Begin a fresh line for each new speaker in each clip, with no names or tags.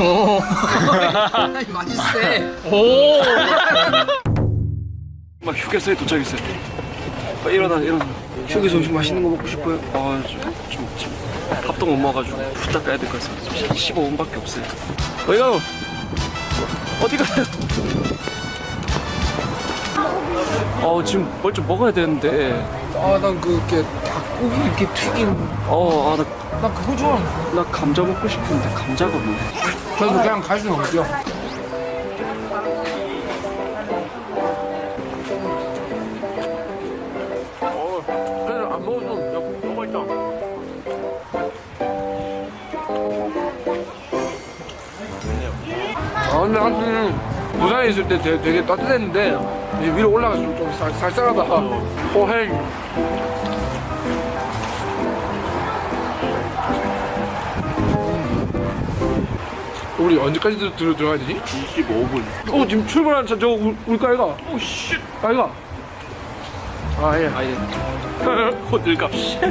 오. 많이 세.
오. 막 휴게소에 도착했어요. 일어나. 휴게소 음식 맛있는 거 먹고 싶어요. 좀 밥도 못 먹어가지고 후딱 가야 될 것 같습니다. 지금 15분밖에 없어요. 어디 가요? 어디 가요? 지금 뭘 좀 먹어야 되는데.
난 그게 닭고기 이렇게 튀긴.
나
그거 좋아하는데.
나 감자 먹고 싶은데 감자가 없네.
그래도 그냥 갈 수는 없죠.
그래도 안 먹어도 너무 있다.
근데 사실 부산에 있을 때 되게 따뜻했는데 이제 위로 올라가서 좀 쌀쌀하다. 호행. 우리 언제까지 들어가야 되지?
25분.
지금 출발하는 차 저거 울까 아이가? 씨. 아이가? 예.
아니, 호들갑.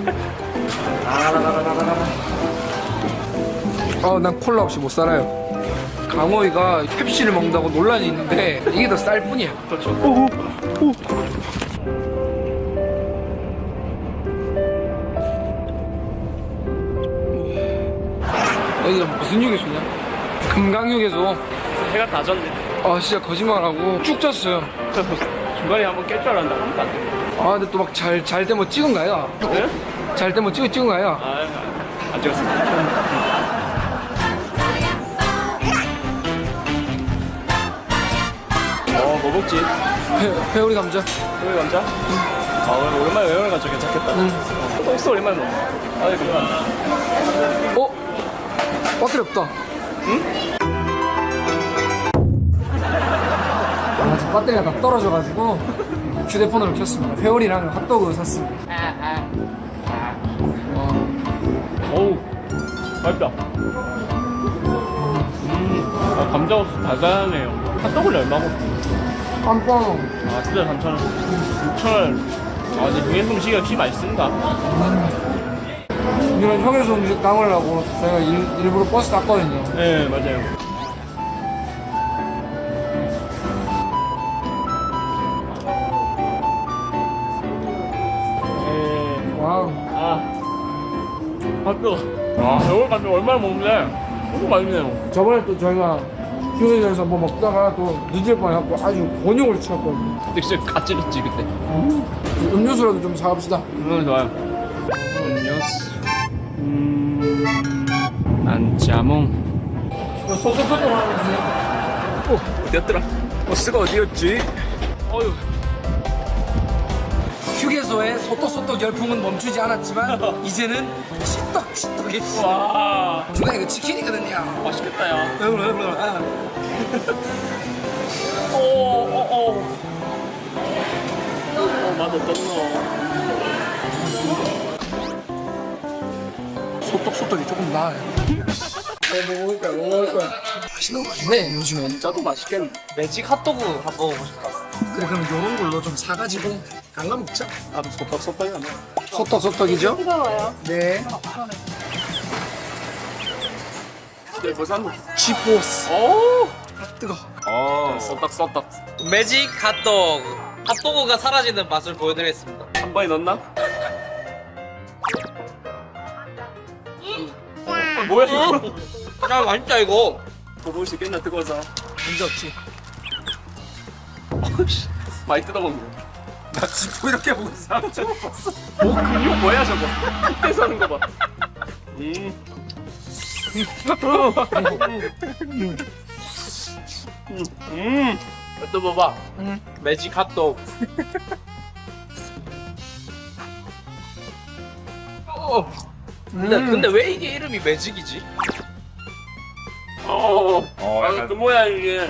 난 콜라 없이 못 살아요. 강호이가 펩시를 먹는다고 논란이 있는데 이게 더 쌀 뿐이야.
그렇죠.
여기가 무슨 휴게소냐? 금강휴게소.
해가 다 졌네.
진짜 거짓말하고 쭉 잤어요.
중간에 한번 깰 줄 알았는데 아무것도 안 돼.
근데 또 막 잘 때 뭐 찍은 거야?
네?
잘 때 뭐 찍은 거야?
안 찍었습니다. 뭐 먹지?
회오리 감자.
회오리 감자? 오랜만에 회오리 감자 괜찮겠다. 소스 오랜만에 먹네. 그만.
배터리 없다. 응? 지금 배터리가 다 떨어져가지고 휴대폰으로 켰습니다. 회오리랑 핫도그 샀습니다.
어우, 맛있다. 감자 소스 달달하네요. 핫도그는 얼마고?
깜빵.
진짜 3,000원. 6,000원. 근데 동해송 음식이 역시 맛있습니다.
이런 휴게소 음식 담으려고 저희가 일부러 버스 탔거든요.
네, 맞아요.
와우.
핫도그. 이걸 감자 얼마나 먹는데? 너무 맛있네요.
저번에 또 저희가 휴게소에서 뭐 먹다가 또 늦을 뻔해갖고 아주 곤욕을 치렀거든요.
근데 진짜 가찌렸지 그때.
음료수라도 좀 사갑시다.
좋아요. 음료수. 안짜몽.
소소소소 하는데.
어디였더라? 버스가 어디였지? 어휴.
휴게소의 소떡소떡 열풍은 멈추지 않았지만 이제는 치떡치떡이.
와.
누나 이거 치킨이거든요.
맛있겠다, 야. 맛 어떻노?
소떡소떡이 조금 나아요. 먹을 거야. 맛있는 거 많네 요즘엔.
짜도 맛있겠네. 매직 핫도그 한번 먹어보고 싶다.
그래 그럼 요런 걸로 좀 사가지고 갈라 먹자.
소떡소떡이 하네.
소떡소떡이죠?
뜨거워요.
네.
네, 부산.
쥐포스.
오.
뜨거.
소떡소떡.
매직 핫도그. 핫도그가 사라지는 맛을 보여드리겠습니다.
한 번에 넣나? 뭐야 이거?
야 맛있다 이거.
먹을 수 있겠나 뜨거워서.
문제 없지.
많이 뜯어먹네.
나 쥐포 이렇게 먹은 사람 처음 봤어.
근육 뭐야 저거? 핏대서 하는 거 봐.
또 봐봐. 매직 핫도그. 근데 왜 이게 이름이 매직이지?
약간 그 모양이게.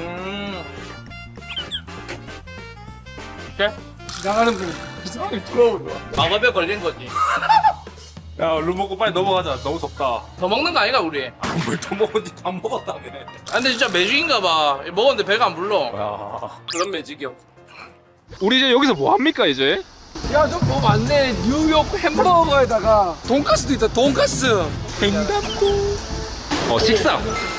나가는 분.
마법에 걸린 거지.
야 얼른 먹고 빨리 넘어가자. 너무 덥다.
더 먹는 거 아닌가 우리?
뭘 더 먹었지? 다 먹었다며.
근데 진짜 매직인가 봐. 먹었는데 배가 안 불러.
야.
그런 매직이요.
우리 이제 여기서 뭐 합니까 이제?
야, 저 뭐 많네. 뉴욕 햄버거에다가 돈가스도 있다. 돈가스. 횡단보.
식사.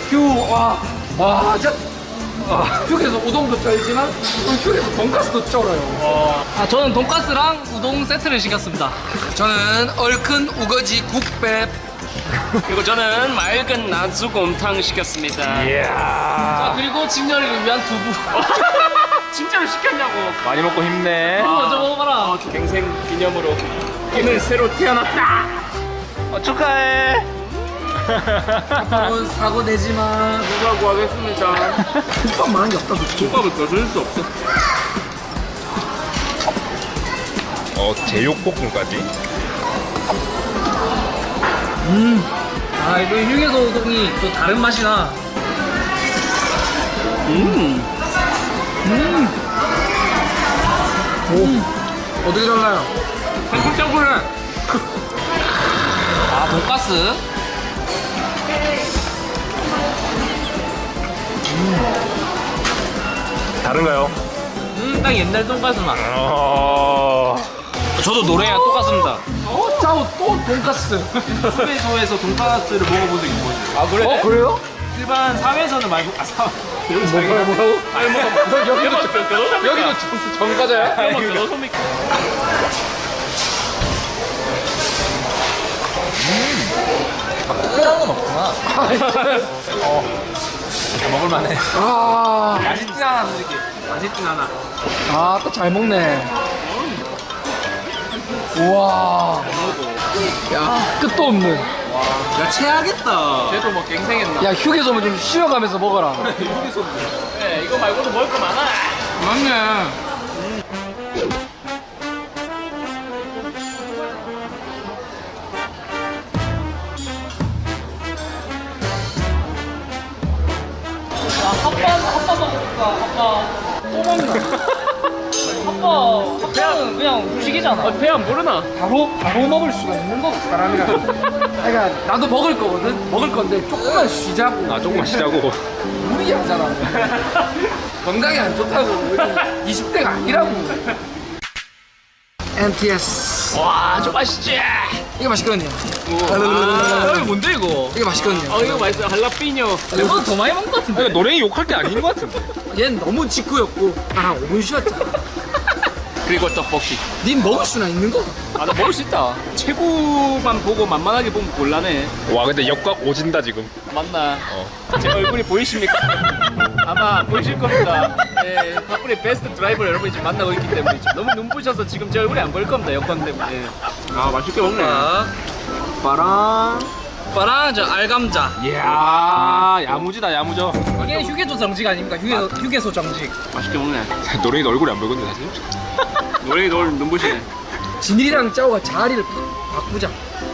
와, 진짜. 휴게소 우동도 쩔지만 휴게소 돈가스도 쩔어요.
아 저는 돈가스랑 우동 세트를 시켰습니다.
저는 얼큰 우거지 국밥.
그리고 저는 맑은 나주곰탕 시켰습니다.
자 그리고 진열이를 위한 두부.
진짜로 시켰냐고.
많이 먹고 힘내.
먼저 먹어라.
갱생 기념으로 오늘 새로 태어났다. 축하해.
앞으로는 사고 내지만
누가 구하겠습니다.
국밥만한 게 없다.
국밥을 거둘 수 없어.
제육볶음까지.
아 이거 휴게소 우동이 또 다른 맛이 나.
어떻게 달라요?
탱글탱글해.
아 돈가스.
다른가요?
딱 옛날 돈가스 맛.
저도 노래랑 똑같습니다.
짜오 또 돈가스.
휴게소에서 돈가스를 먹어본 적이 있거든요.
아 그래?
그래요?
일반 사회에서는 말고
뭐라고?
아니 뭐
여기도 정가자야?
먹을만해.
아,
맛있진 않아 솔직히. 맛있진 않아.
아, 또 잘 먹네. 우와. 야, 끝도 없는.
야 체하겠다. 쟤도 뭐 갱생했나?
야, 휴게소면 좀 쉬어가면서 먹어라.
네, 이거 말고도 먹을 거 많아.
맞네.
핫바 먹을까? 핫바 또 먹나? 핫바 그냥 후식이잖아.
배 안 부르나?
바로 먹을 수가 있는 거 사람이라. 그러니까 나도 먹을 거거든. 먹을 건데 조금만 쉬자고.
조금만 쉬자고.
무리하잖아. 건강에 안 좋다고. 20대가 아니라고. MTS.
와, 좀 맛있지?
이거 맛있거든요.
아, 이거 뭔데 이거?
이거 맛있거든요.
이거 맛있어. 할라피뇨.
이거 더 많이 먹은 것 같은데?
그러니까 노랭이 욕할 게 아닌 것 같은데.
얘는 너무 직구였고 한 5분 쉬었잖아.
그리고 떡볶이.
닌 먹을 수나 있는 거?
아 나 먹을 수 있다. 체구만 보고 만만하게 보면 곤란해.
와 근데 역각 오진다 지금.
맞나? 제 얼굴이 보이십니까? 아마 보이실 겁니다. 네, 파프리 베스트 드라이버 여러분이 지금 만나고 있기 때문에 지금 너무 눈부셔서 지금 제 얼굴이 안 보일 겁니다. 여건 때문에. 아 맛있게 먹네.
빠랑 빠랑 저 알감자.
이야 야무지다 야무져.
이게 휴게소 정직 아닙니까? 휴게소 정직.
맛있게 먹네.
노랭이 얼굴이 안 보이거든 사실.
노래 너 눈부시네.
진일이랑 짜오가 자리를 바꾸자.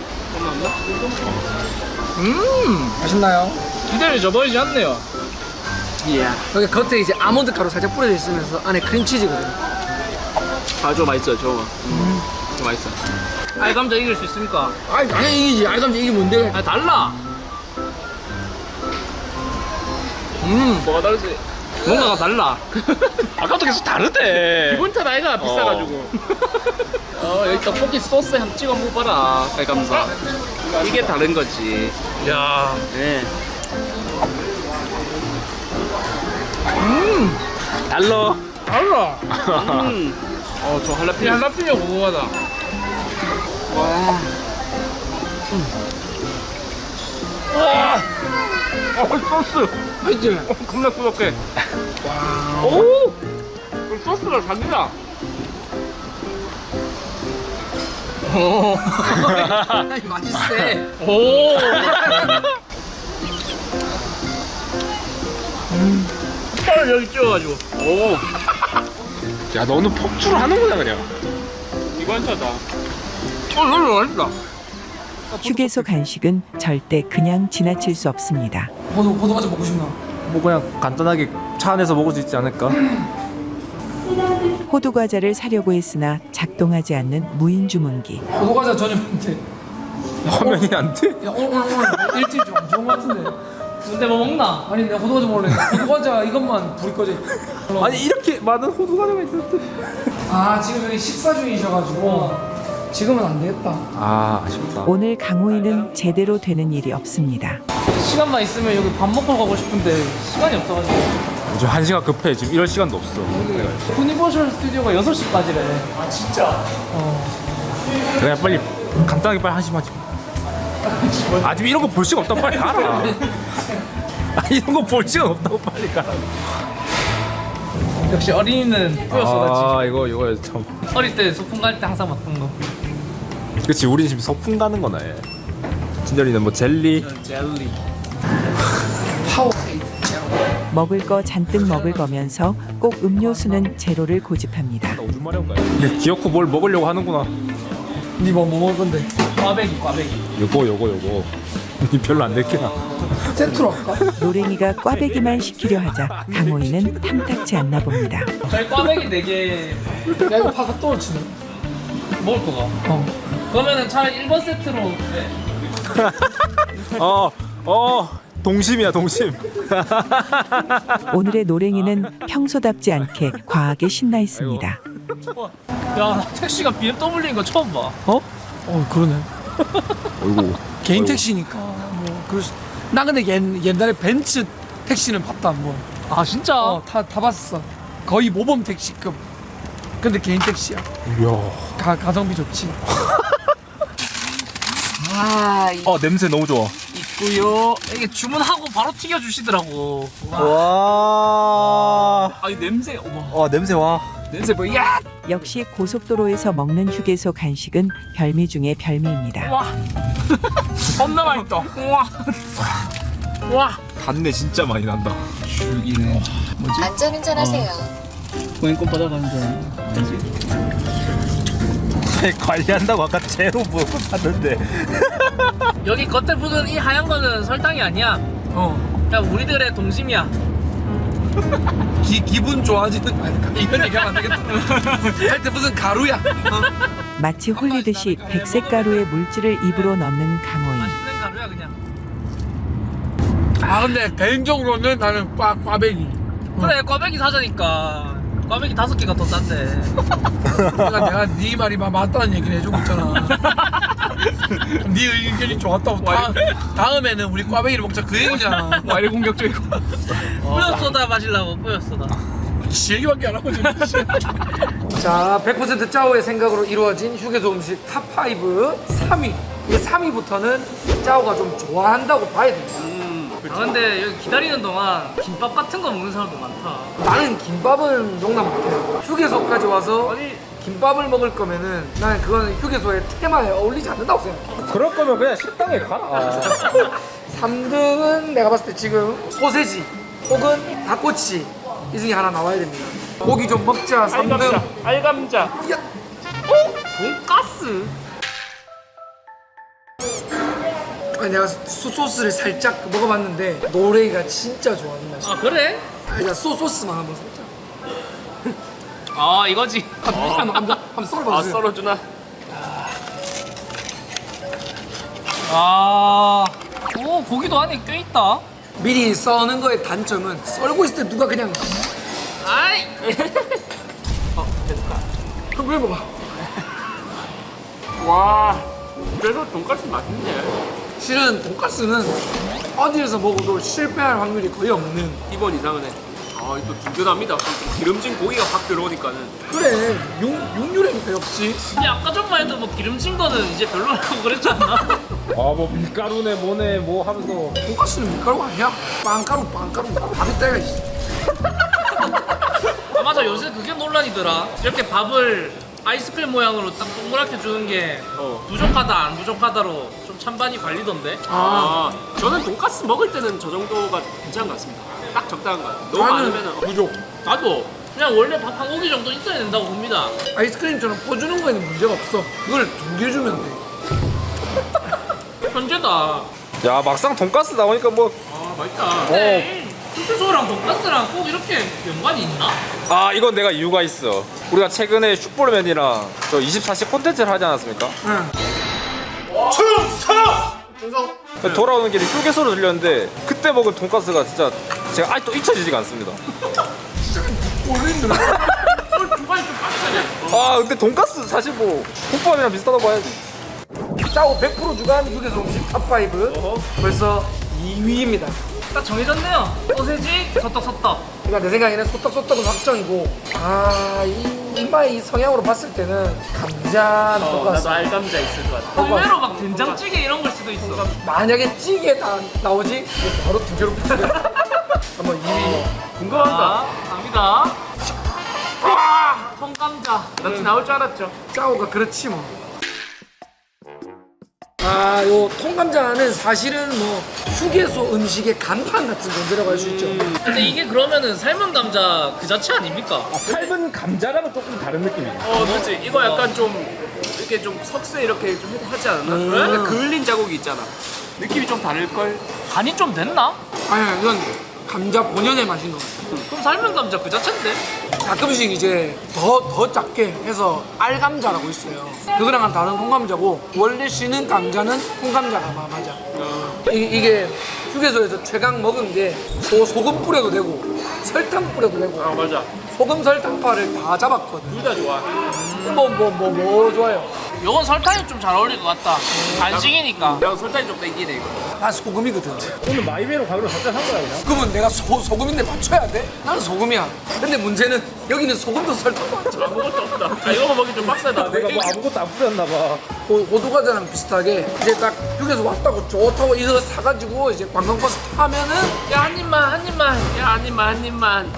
맛있나요?
기대를 저버리지 않네요.
이야.
여기 겉에 이제 아몬드 가루 살짝 뿌려져 있으면서 안에 크림치즈거든.
아 저거 맛있어요. 저거. 저거 맛있어.
알감자 이길 수 있습니까?
아니 당연히 이기지. 알감자 이게 뭔데?
아 달라.
뭐가 다르지?
뭔가가 달라.
아까부터 계속 다르대.
기본 탓 아이가 비싸가지고. 여기 떡볶이 소스 한번 찍어 먹어봐라. 깔감사. 이게 다른 거지.
야.
네.
달러.
달라.
저 할라피뇨.
할라피뇨 고구마다.
소스.
맛있지?
겁나 꾸덕해. 오! 그 소스가 자기다.
아니 맛있어.
오. 빨리 여기 찍어가지고.
오.
야 너는 폭주를 하는구나 그냥.
이관차다.
너무 맛있다.
휴게소 간식은 절대 그냥 지나칠 수 없습니다.
호두과자 먹고 싶나?
뭐 그냥 간단하게 차 안에서 먹을 수 있지 않을까?
호두 과자를 사려고 했으나 작동하지 않는 무인 주문기.
호두과자 전혀인데.
화면이 안 돼?
야 오늘 일찍 좀 좋은 거 같은데.
근데 뭐 먹나?
아니 내가 호두과자 먹을래. 호두과자 이것만 불이 꺼져.
아니 이렇게 많은 호두 과자가 있었대.
아 지금 여기 식사 중이셔가지고 지금은 안 되겠다.
아 아쉽다.
오늘 강호이는 제대로 되는 일이 없습니다.
시간만 있으면 여기 밥 먹고 가고 싶은데 시간이 없어가지고.
요즘 1시간 급해. 지금 이럴 시간도 없어.
유니버셜 스튜디오가 6시까지래.
아 진짜?
그냥 빨리 간단하게 빨리 한심 하지. 아 지금 이런 거 볼 시간 없다고 빨리 가라. 아 이런 거 볼 시간 없다고 빨리 가라.
역시 어린이는 뿌였어가지.
아 이거 참.
어릴 때 소풍 갈 때 항상 먹던 거.
그렇지 우리 지금 소풍 가는 거나 해. 진열이는 뭐 젤리.
젤리.
먹을 거 잔뜩 먹을 거면서 꼭 음료수는 제로를 고집합니다.
나 오줌 마려운 거야. 기어코 뭘 먹으려고 하는구나.
니 뭐 먹을 건데?
꽈배기.
요거. 니 별로 안 됐구나.
세트로 할까?
노랭이가 꽈배기만 시키려 하자 강호이는 탐탁치 않나 봅니다.
저희 꽈배기 4개
야 이거 파가 떨어지네.
먹을 거가. 그러면은 차라리 1번 세트로.
동심이야 동심.
오늘의 노랭이는 평소답지 않게 과하게 신나 있습니다.
야, 나 택시가 BMW인 거 처음 봐.
그러네.
어이구.
개인 택시니까 뭐 그럴 수. 나 근데 옛날에 벤츠 택시는 봤다 한번.
아, 진짜?
다 봤었어. 거의 모범 택시급. 근데 개인 택시야.
이야.
가성비 좋지.
냄새 너무 좋아.
있고요. 이게 주문하고 바로 튀겨 주시더라고.
와.
아, 이 냄새. 어머.
냄새 와.
냄새 뭐 야!
역시 고속도로에서 먹는 휴게소 간식은 별미 중의 별미입니다.
와. 겁나 맛있다. 와. 와.
단내 진짜 많이 난다.
죽이네.
안전운전하세요.
고행권 받아가는 줄.
관리한다고 아까 제로 먹고 샀는데.
여기 겉에 부은 이 하얀 거는 설탕이 아니야. 야, 우리들의 동심이야.
기분 좋아지는. 아니, 이런 얘기하면 안 되겠다. 하여튼 무슨 가루야.
마치 홀리듯이 백색 가루의 물질을 입으로 넣는 강호이.
맛있는 가루야 그냥.
아 근데 개인적으로는 나는 꽈배기.
그래, 꽈배기 사자니까. 꽈배기 5개가 더 싼데.
내가 네 말이 맞다는 얘기를 해주고 있잖아. 네 의견이 좋았다고. 다음에는 우리 꽈배기를 먹자 그 얘기잖아.
와이리 공격적이고. 뿌였소다 마시려고 뿌였소다.
지 얘기밖에 안 하고 지금. 자, 100% 짜오의 생각으로 이루어진 휴게소 음식 탑5 3위. 이게 3위부터는 짜오가 좀 좋아한다고 봐야 됩니다.
아, 근데 여기 기다리는 동안 김밥 같은 거 먹는 사람도 많다.
나는 김밥은 용납 못해요. 휴게소까지 와서
아니,
김밥을 먹을 거면은 나는 그거는 휴게소의 테마에 어울리지 않는다고 생각해.
그럴 거면 그냥 식당에 가라.
3등은 내가 봤을 때 지금 소세지 혹은 닭꼬치 이 중에 하나 나와야 됩니다. 고기 좀 먹자. 3등.
알감자.
야,
돈가스.
아니 내가 소스를 살짝 먹어봤는데 노래이가 진짜 좋아하는 맛이야.
아, 그래?
아니 나 소스만 한번 살짝.
아, 이거지.
한번 썰어봐주세요.
썰어주나?
아, 오, 고기도 안에 껴있다.
미리 써는 거의 단점은 썰고 있을 때 누가 그냥
아이.
그럼 해봐봐.
와. 그래도 돈까스 맛있네.
실은 돈가스는 어디에서 먹어도 실패할 확률이 거의 없는.
2번 이상은 해. 아, 또 든든합니다. 기름진 고기가 확 들어오니까는.
그래 육류라니까 역시.
근데 아까 전만 해도 뭐 기름진 거는 이제 별로라고 그랬지 않나?
뭐 밀가루네 뭐네 뭐 하면서.
돈가스는 밀가루가 아니야. 빵가루 밥이 때가 있어.
아, 맞아. 요새 그게 논란이더라. 이렇게 밥을 아이스크림 모양으로 딱 동그랗게 주는 게 부족하다 안 부족하다로 좀 찬반이 갈리던데.
저는 돈까스 먹을 때는 저 정도가 괜찮은 것 같습니다. 딱 적당한 것 같아요. 너무
나는
많으면
부족.
나도 그냥 원래 밥 한 고기 정도 있어야 된다고 봅니다.
아이스크림처럼 퍼주는 거에는 문제가 없어. 그걸 2개 주면 돼.
현재다.
야 막상 돈가스 나오니까 뭐.
아, 맛있다. 근데 슈프소랑 돈가스랑 꼭 이렇게 연관이 있나?
아 이건 내가 이유가 있어. 우리가 최근에 슈퍼맨이랑 저 24시 콘텐츠를 하지 않았습니까?
응.
돌아오는 길에 휴게소로 들렸는데 그때 먹은 돈가스가 진짜 제가 아직도 잊혀지지가 않습니다.
오늘 힘들어.
중간에 좀 빡세.
아 근데 돈가스 사실 뭐 국밥이랑 비슷하다고 봐야지.
짜오 100% 주간 휴게소 음식 탑5 벌써 2위입니다.
딱 정해졌네요. 소세지, 소떡소떡.
그러니까 내 생각에는 소떡소떡은 확정이고 이마의 성향으로 봤을 때는 감자는 똑같아.
알감자 있을 것 같아.
의외로 막 된장찌개 이런 걸 수도 있어.
만약에 찌개 다 나오지 이거 바로 두 개로 부수네. 한번 2위.
궁금하다. 갑니다. 와, 통감자. 나 나올 줄 알았죠.
짜오가 그렇지 뭐. 요 통감자는 사실은 뭐 휴게소 음식의 간판 같은 존재라고 할 수 있죠.
근데 이게 그러면은 삶은 감자 그 자체 아닙니까?
삶은 감자랑은 조금 다른 느낌이야.
그렇지. 이거 약간 좀 이렇게 좀 석쇠 이렇게 좀 하지 않았나? 약간 그을린 자국이 있잖아. 느낌이 좀 다를 걸.
간이 좀 됐나?
아니 이건 감자 본연의 맛인 것 같아요.
그럼 삶은 감자 그 자체인데?
가끔씩 이제 더 작게 해서 알감자라고 있어요. 그거랑은 다른 통감자고 원래 쉬는 감자는 통감자가 맞아. 이게 휴게소에서 최강 먹은 게 소금 뿌려도 되고 설탕 뿌려도 되고
맞아.
소금 설탕파를 다 잡았거든.
둘 다 좋아.
뭐 좋아요?
요건 설탕이 좀 잘 어울릴 것 같다. 간식이니까.
야 설탕이 좀 땡기네 이거.
난 소금이거든.
오늘 마이베로 가기로 작정한 거야 그냥.
그러면 내가 소금인데 맞춰야 돼? 나는 소금이야. 근데 문제는 여기는 소금도 설탕도 안 줘.
아무것도 없다. 이거 먹기 좀 빡세다.
내가 뭐 아무것도 안 뿌렸나 봐.
호두과자랑 비슷하게 이제 딱 휴게소 왔다고 좋다고 이거 사가지고 이제 관광버스 타면은
야, 한 입만, 한 입만.
야 한 입만.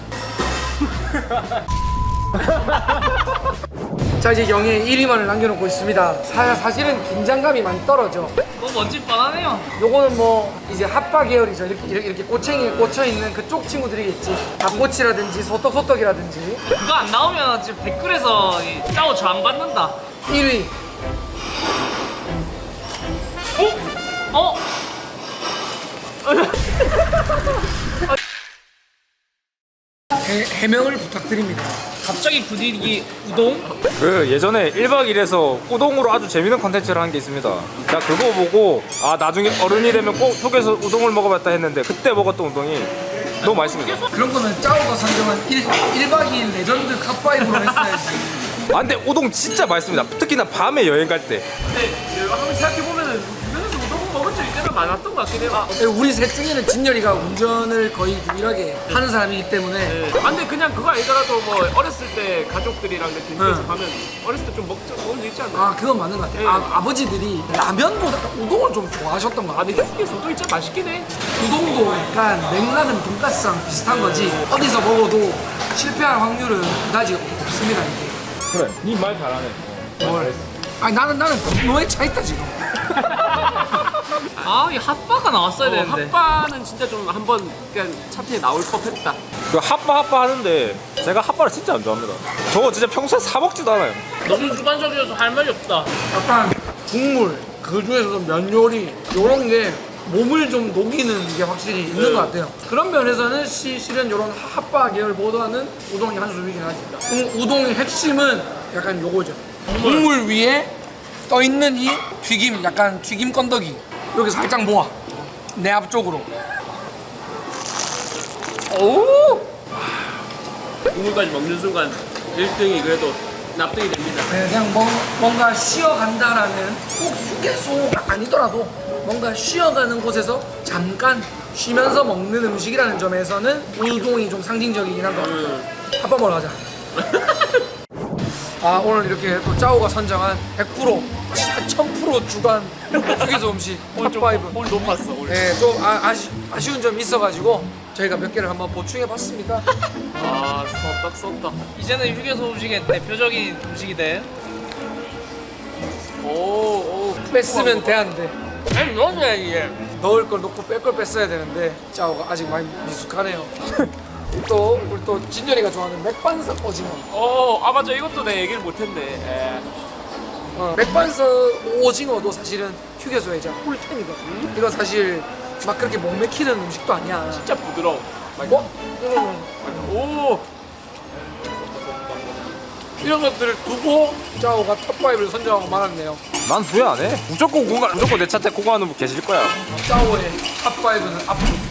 자 이제 영예 1위만을 남겨놓고 있습니다. 사실은 긴장감이 많이 떨어져.
뭐 뭔지 뻔하네요.
요거는 뭐 이제 핫바 계열이죠. 이렇게 꼬챙이에 꽂혀 있는 그쪽 친구들이겠지. 닭꼬치라든지 소떡소떡이라든지.
그거 안 나오면 지금 댓글에서 짜오 저항 받는다.
1위
어?
해명을 부탁드립니다.
갑자기 분위기 우동?
그 예전에 1박 2일에서 우동으로 아주 재밌는 컨텐츠를 한 게 있습니다. 자 그거 보고 아 나중에 어른이 되면 꼭 휴게소 우동을 먹어봤다 했는데 그때 먹었던 우동이 너무 맛있습니다.
그런 거는 짜오가 선정한 1박 2일 레전드 컵5로 했어야지.
아 근데 우동 진짜 맛있습니다. 특히나 밤에 여행 갈 때.
근데 한번 생각해보면은 주변에서 우동 먹은 적 이때는 많았던 것 같긴 해요.
우리 셋 중에는 진열이가 운전을 거의 유일하게 하는 사람이기 때문에
근데 그냥 그거 아니더라도 뭐 어렸을 때 가족들이랑 이렇게 휴게소 가면 어렸을 때 좀 먹은 적 있지 않나?
그건 맞는 것 같아. 아버지들이 라면보다 우동을 좀 좋아하셨던 것 같아.
근데 휴게소도 진짜 맛있긴 해.
우동도 약간 맥락은 돈가스랑 비슷한 거지. 어디서 먹어도 실패할 확률은 그다지 없습니다. 이게.
그래. 니 말 잘하네.
뭘? 아니 나는 너의 차 있다 지금.
이 핫바가 나왔어야 되는데.
핫바는 진짜 좀 한번 그냥 차트에 나올 법했다.
그 핫바 하는데 제가 핫바를 진짜 안 좋아합니다. 저거 진짜 평소에 사 먹지도 않아요.
너무 주관적이어서 할 말이 없다.
약간 국물 그 중에서도 면 요리 요런 게 몸을 좀 녹이는 게 확실히 있는 것 같아요. 그런 면에서는 실은 이런 핫바 계열보다는 우동이 한 수위긴 하지. 우동의 핵심은 약간 요거죠. 국물 위에 떠 있는 이 튀김, 약간 튀김 건더기. 여기 살짝 모아. 내 앞쪽으로. 오!
국물까지 먹는 순간 1등이 그래도 납득이 됩니다.
네, 그냥 뭔가 쉬어간다라는 꼭 휴게소가 아니더라도 뭔가 쉬어가는 곳에서 잠깐 쉬면서 먹는 음식이라는 점에서는 우동이 좀 상징적이긴 한 것 같아요. 밥 먹으러 가자. 오늘 이렇게 또 짜오가 선정한 100% 1000% 주간 휴게소 음식 탑5.
볼 높았어 오늘.
네, 좀 아쉬운 점이 있어가지고 저희가 몇 개를 한번 보충해봤습니다.
썩떡.
이제는 휴게소 음식의 대표적인 음식이 돼.
오.
뺐으면 돼, 안 돼?
아니, 넣어줘야지, 얘.
넣을 걸 넣고 뺄 걸 뺐어야 되는데 짜오가 아직 많이 미숙하네요. 우리 또 진열이가 좋아하는 맥반석 오징어.
맞아. 이것도 내 얘기를 못했네.
맥반석 오징어도 사실은 휴게소의 이제 꿀템이거든. 이건 사실 막 그렇게 목 맥히는 음식도 아니야.
진짜 부드러워.
오! 이런 것들을 두고 짜오가 탑5를 선정하고 말았네요.
난 후회 안 해. 무조건 내 차트 공부하는 분 계실 거야.
짜오의 탑5는 앞으로